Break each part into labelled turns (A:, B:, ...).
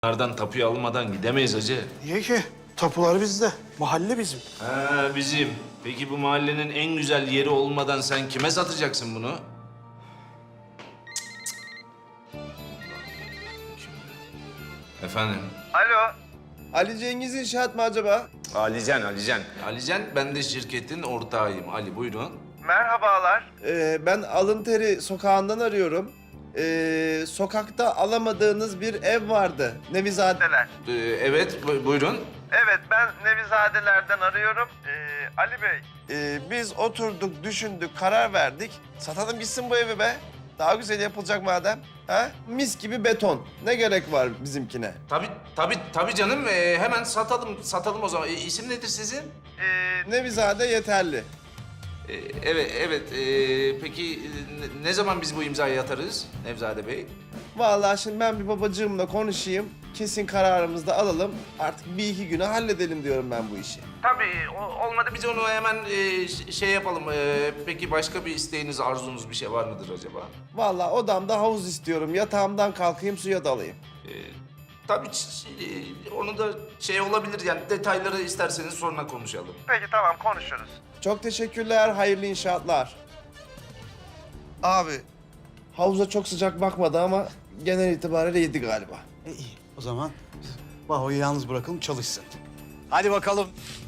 A: Bunlardan tapuyu almadan gidemeyiz hacı.
B: Niye ki? Tapular bizde. Mahalle bizim.
A: Ha bizim. Peki bu mahallenin en güzel yeri olmadan sen kime satacaksın bunu? Efendim?
C: Alo. Ali Cengiz İnşaat mı acaba?
A: Alican. Alican, ben de şirketin ortağıyım. Ali buyurun.
C: Merhabalar. Ben Alın sokağından arıyorum. Sokakta alamadığınız bir ev vardı. Nevizadeler.
A: Evet, buyurun.
C: Evet, ben Nevizadeler'den arıyorum. Ali Bey. Biz oturduk, düşündük, karar verdik. Satalım gitsin bu evi be. Daha güzel yapılacak madem. Ha? Mis gibi beton. Ne gerek var bizimkine?
A: Tabii canım. Hemen satalım o zaman. İsim nedir sizin?
C: Nevizade yeterli.
A: Evet. Peki ne zaman biz bu imzayı atarız Nevzade Bey?
C: Vallahi şimdi ben bir babacığımla konuşayım. Kesin kararımızı da alalım. Artık bir iki güne halledelim diyorum ben bu işi.
A: Tabii. Olmadı biz onu hemen şey yapalım. Peki başka bir isteğiniz, arzunuz bir şey var mıdır acaba?
C: Vallahi odamda havuz istiyorum. Yatağımdan kalkayım suya dalayım.
A: Tabii onu da şey olabilir yani detayları isterseniz sonra konuşalım.
C: Peki tamam konuşuruz. Çok teşekkürler. Hayırlı inşaatlar. Abi havuza çok sıcak bakmadı ama genel itibariyle yedi galiba.
B: İyi. O zaman Baho'yu yalnız bırakalım çalışsın. Hadi bakalım.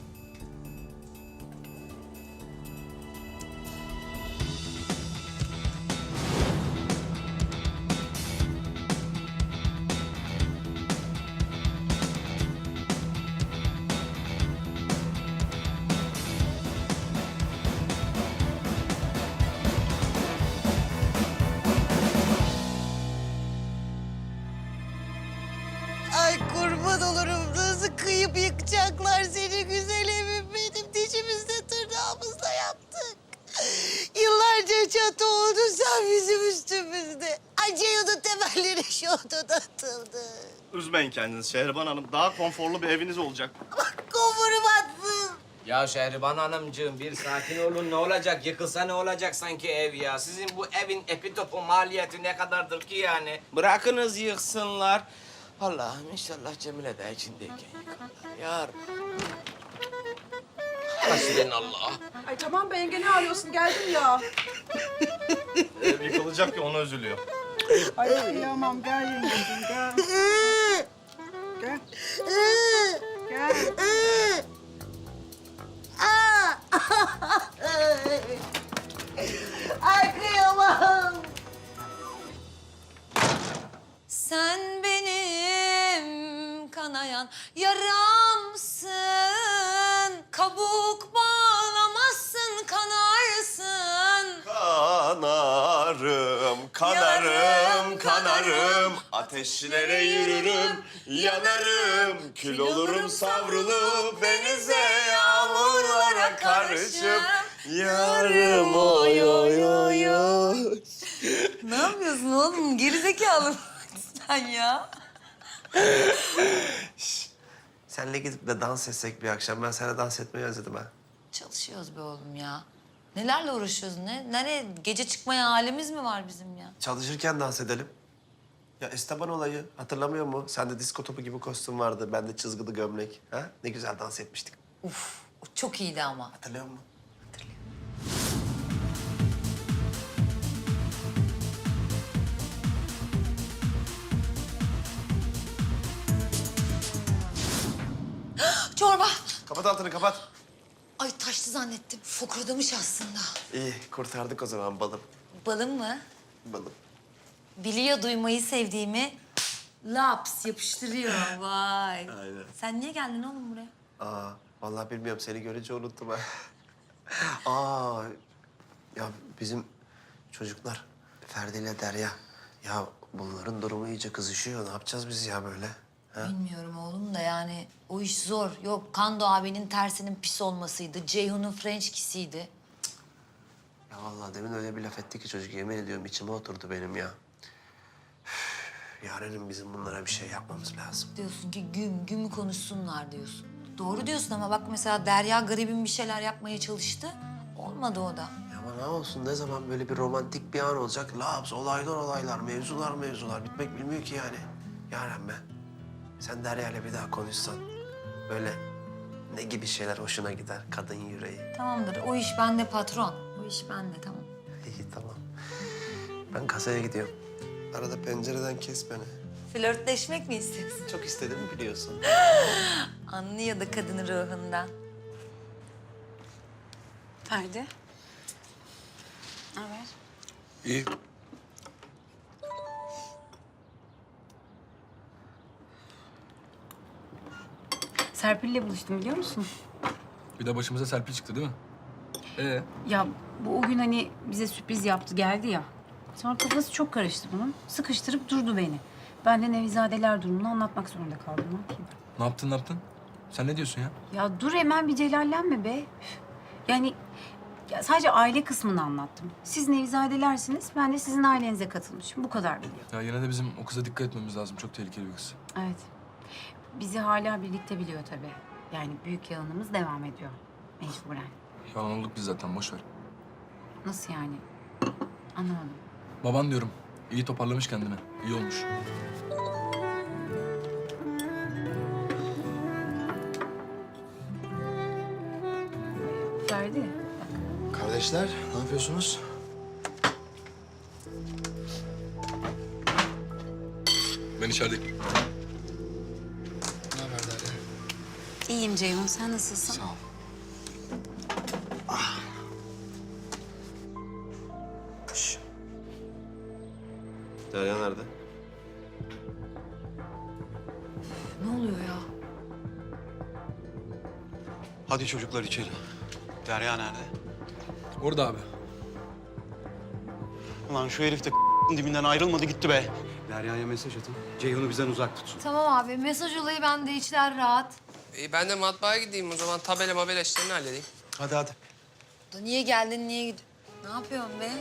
D: Ay kurban olurum. Nasıl kıyıp yıkacaklar seni güzel evim benim. Dişimizde tırnağımızla yaptık. Yıllarca çatı oldu sen bizim üstümüzde. Ay Ceyhun'un temelleri şu odada atıldı.
E: Üzmeyin kendinizi Şehriban Hanım. Daha konforlu bir eviniz olacak.
D: Bak kovurum atsın.
F: Ya Şehriban Hanımcığım bir sakin olun ne olacak? Yıkılsa ne olacak sanki ev ya? Sizin bu evin epitopu maliyeti ne kadardır ki yani? Bırakınız yıksınlar. Allah'ım inşallah Cemile de içindeyken yıkarlar. Ya Rabbi. Hasbinallah.
G: Ay tamam be yenge ne arıyorsun? Geldim ya.
E: Ev yıkılacak ya ona üzülüyor.
G: Ay kıyamam gel yengeciğim gel. Gel. Gel.
D: Ay kıyamam. Sen benim kanayan yaramsın. Kabuk bağlamazsın kanarsın.
C: Kanarım,
D: kanarım, kanarım.
C: Ateşlere yürürüm, yanarım. Kül olurum savrulup denize, yağmurlara karışıp. Yarım oy oy oy oy.
D: Ne yapıyorsun oğlum? Gerizekalı mısın sen ya?
C: Senle gidip de dans etsek bir akşam. Ben sana dans etmeyi özledim ha.
D: Çalışıyoruz be oğlum ya. Nelerle uğraşıyoruz ne? Nereye? Gece çıkmaya halimiz mi var bizim ya?
C: Çalışırken dans edelim. Ya Esteban olayı hatırlamıyor mu? Sende disko topu gibi kostüm vardı. Bende çizgili gömlek. Ha? Ne güzel dans etmiştik.
D: Uf, o çok iyiydi ama.
C: Hatırlıyor musun?
D: Hatırlıyorum. Çorba.
C: Kapat altını kapat.
D: Ay taştı zannettim. Fokurdamış aslında.
C: İyi kurtardık o zaman balım.
D: Balım mı?
C: Balım.
D: Biliyor duymayı sevdiğimi. Laps yapıştırıyor. Vay.
C: Aynen.
D: Sen niye geldin oğlum buraya?
C: Aa vallahi bilmiyorum seni görünce unuttum ha. Aa ya bizim çocuklar Ferdi ile Derya. Ya bunların durumu iyice kızışıyor. Ne yapacağız biz ya böyle? Ha?
D: Bilmiyorum oğlum da yani o iş zor. Yok Kando abinin tersinin pis olmasıydı. Ceyhun'un French kiss'iydi.
C: Ya vallahi demin öyle bir laf etti ki çocuk yemin ediyorum içime oturdu benim ya. Üf, Yarenim bizim bunlara bir şey yapmamız lazım.
D: Diyorsun ki gümü konuşsunlar diyorsun. Doğru diyorsun ama bak mesela Derya garibim bir şeyler yapmaya çalıştı. Olmadı o da.
C: Ya ama ne olsun ne zaman böyle bir romantik bir an olacak? Laps, olaylar, mevzular. Bitmek bilmiyor ki yani. Yaren be. Sen Derya'yla bir daha konuşsan böyle ne gibi şeyler hoşuna gider kadın yüreği.
H: Tamamdır. O iş bende patron. O iş bende tamam.
C: İyi tamam. Ben kasaya gidiyorum. Arada pencereden kes beni.
H: Flörtleşmek mi istiyorsun?
C: Çok istedim biliyorsun.
H: Anlıyor da kadının ruhundan.
I: Ferdi. Ne haber?
B: İyi.
I: Serpil'le buluştum biliyor musun?
J: Bir de başımıza Serpil çıktı değil mi?
I: Ya bu o gün hani bize sürpriz yaptı geldi ya. Sonra kafası çok karıştı bunun. Sıkıştırıp durdu beni. Ben de Nevizadeler durumunu anlatmak zorunda kaldım. Ne yapayım?
J: Ne yaptın ne yaptın? Sen ne diyorsun ya?
I: Ya dur hemen bir celallenme be. Üf. Yani ya sadece aile kısmını anlattım. Siz Nevizadelersiniz, ben de sizin ailenize katılmışım. Bu kadar biliyor.
J: Ya yine de bizim o kıza dikkat etmemiz lazım. Çok tehlikeli bir kız.
I: Evet. Bizi hala birlikte biliyor tabii. Yani büyük yalanımız devam ediyor. Mecburen.
J: Yalan olduk biz zaten boş ver.
I: Nasıl yani? Anlamadım.
J: Baban diyorum. İyi toparlamış kendini. İyi olmuş.
I: Ferdi,
B: Kardeşler ne yapıyorsunuz?
J: Ben içerideyim.
B: Ne haber Derya?
I: İyiyim Ceyhun. Sen nasılsın?
B: Sağ ol.
C: Derya nerede?
H: Ne oluyor ya?
B: Hadi çocuklar içeri. Derya nerede?
J: Orada abi.
B: Ulan şu herif de dibinden ayrılmadı gitti be. Derya'ya mesaj atın. Ceyhun'u bizden uzak tutsun.
H: Tamam abi. Mesaj olayı bende. İçler rahat.
K: Ben de matbaaya gideyim o zaman. Tabela mabela işlerini halledeyim.
B: Hadi hadi.
H: Da niye geldin, niye gidiyorsun? Ne yapıyorsun be?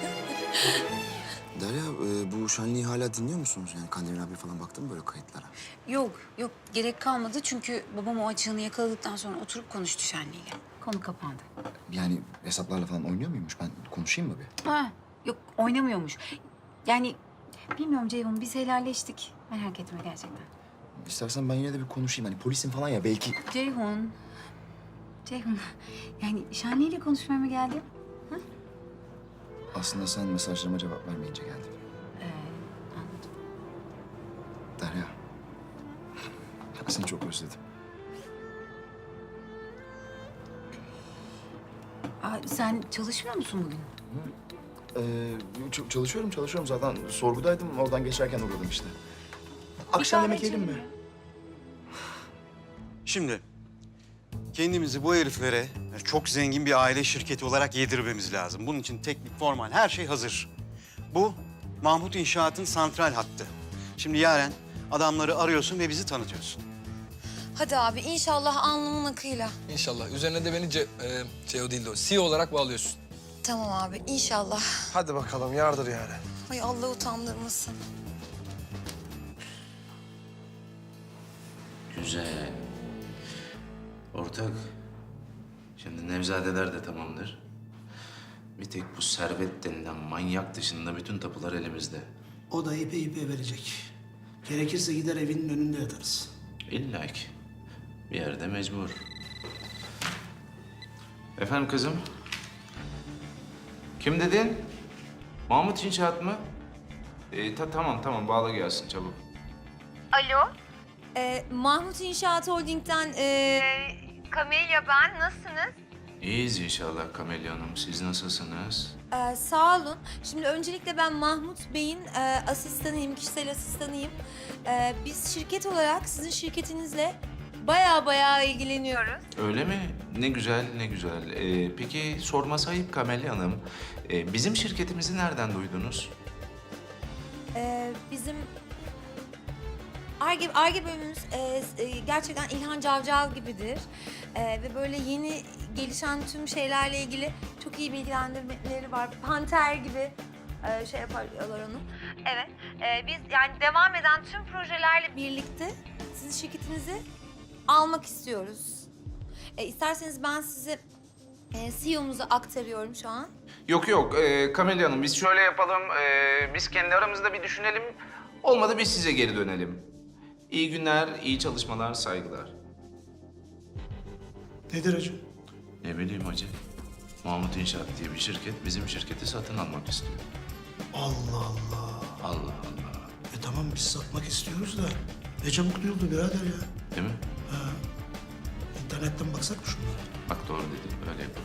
L: Derya, bu şenliği hala dinliyor musunuz? Yani Kandemir abi falan baktın mı böyle kayıtlara?
I: Yok, yok. Gerek kalmadı çünkü babam o açığını yakaladıktan sonra oturup konuştu Şenli'yle. Konu kapandı.
L: Yani hesaplarla falan oynuyor muymuş? Ben konuşayım mı bir?
I: Ha, yok oynamıyormuş. Yani bilmiyorum Ceyhun, biz helalleştik. Merak etme gerçekten.
L: İstersen ben yine de bir konuşayım. Hani polisim falan ya belki...
I: Ceyhun, yani Şenli'yle konuşmaya mı geldin?
L: Aslında sen mesajlarıma cevap vermeyince geldim.
I: Anladım.
L: Derya, ben seni çok özledim.
I: Sen çalışmıyor musun bugün?
L: Çalışıyorum. Zaten sorgudaydım. Oradan geçerken uğradım işte. Akşam yemek yiyelim mi?
B: Şimdi kendimizi bu heriflere çok zengin bir aile şirketi olarak yedirmemiz lazım. Bunun için teknik, formal her şey hazır. Bu Mahmut İnşaat'ın santral hattı. Şimdi Yaren adamları arıyorsun ve bizi tanıtıyorsun.
H: Hadi abi inşallah alnımın akıyla.
J: İnşallah. Üzerine de beni CEO değil de o. CEO olarak bağlıyorsun.
H: Tamam abi inşallah.
C: Hadi bakalım yardır yani.
H: Ay Allah utandırmasın.
A: Güzel. Ortak, şimdi Nevzadeler de tamamdır. Bir tek bu Servet denilen manyak dışında bütün tapular elimizde.
M: O da ipe verecek. Gerekirse gider evinin önünde yatarız.
A: İlla ki. Bir yerde mecbur. Efendim kızım? Kim dedin? Mahmut İnşaat mı? Tamam bağla gelsin çabuk.
H: Alo. Mahmut İnşaat Holding'den Kamelya ben. Nasılsınız?
A: İyiyiz inşallah Kamelya Hanım. Siz nasılsınız?
H: Sağ olun. Şimdi öncelikle ben Mahmut Bey'in asistanıyım, kişisel asistanıyım. Biz şirket olarak sizin şirketinizle bayağı ilgileniyoruz.
A: Öyle mi? Ne güzel, ne güzel. Peki sorması ayıp Kamelya Hanım. Bizim şirketimizi nereden duydunuz?
H: Bizim Ar-Ge bölümümüz gerçekten İlhan Cavcav gibidir. Ve böyle yeni gelişen tüm şeylerle ilgili çok iyi bilgilendirmeleri var. Panter gibi şey yaparlar onu. Evet. Biz yani devam eden tüm projelerle birlikte sizin şirketinizi almak istiyoruz. İsterseniz ben size CEO'muzu aktarıyorum şu an.
A: Yok Kamelya Hanım biz şöyle yapalım. Biz kendi aramızda bir düşünelim. Olmadı biz size geri dönelim. İyi günler, iyi çalışmalar, saygılar.
M: Nedir hacı?
A: Ne bileyim hacı. Mahmut İnşaat diye bir şirket bizim şirketi satın almak istiyor.
M: Allah Allah.
A: Allah Allah.
M: Tamam biz satmak istiyoruz da ne çabuk duyuldu birader ya.
A: Değil mi?
M: İnternetten baksak mı şunlara?
A: Bak doğru dedin, öyle yapalım.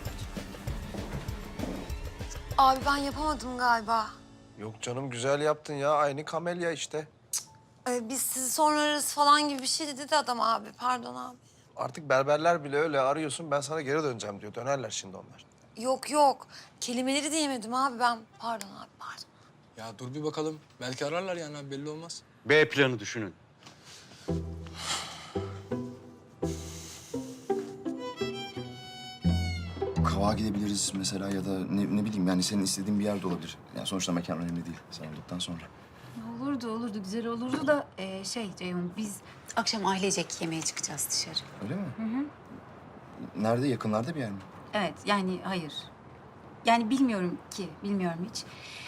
H: Abi ben yapamadım galiba.
C: Yok canım güzel yaptın ya. Aynı kamelya işte.
H: Biz sizi sonra ararız falan gibi bir şey dedi de adam abi. Pardon abi.
C: Artık berberler bile öyle arıyorsun. Ben sana geri döneceğim diyor. Dönerler şimdi onlar.
H: Yok. Kelimeleri diyemedim abi ben. Pardon abi pardon.
J: Ya dur bir bakalım. Belki ararlar yani abi, belli olmaz.
B: B planı düşünün.
L: Kavağa gidebiliriz mesela ya da ne bileyim yani senin istediğin bir yerde olabilir. Yani sonuçta mekan önemli değil sen olduktan sonra.
I: Olurdu, güzel olurdu da Ceyhun, biz akşam ailecek yemeğe çıkacağız dışarı.
L: Öyle mi? Nerede? Yakınlarda bir yer mi?
I: Evet, yani hayır. Yani bilmiyorum hiç.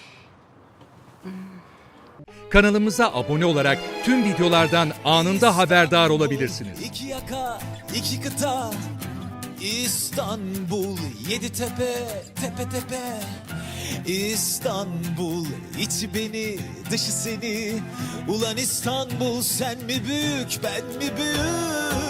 N: Kanalımıza abone olarak tüm videolardan anında haberdar olabilirsiniz.
O: İki yaka, iki kıta, İstanbul, yedi tepe, tepe tepe. İstanbul, içi beni, dışı seni. Ulan İstanbul, sen mi büyük, ben mi büyük?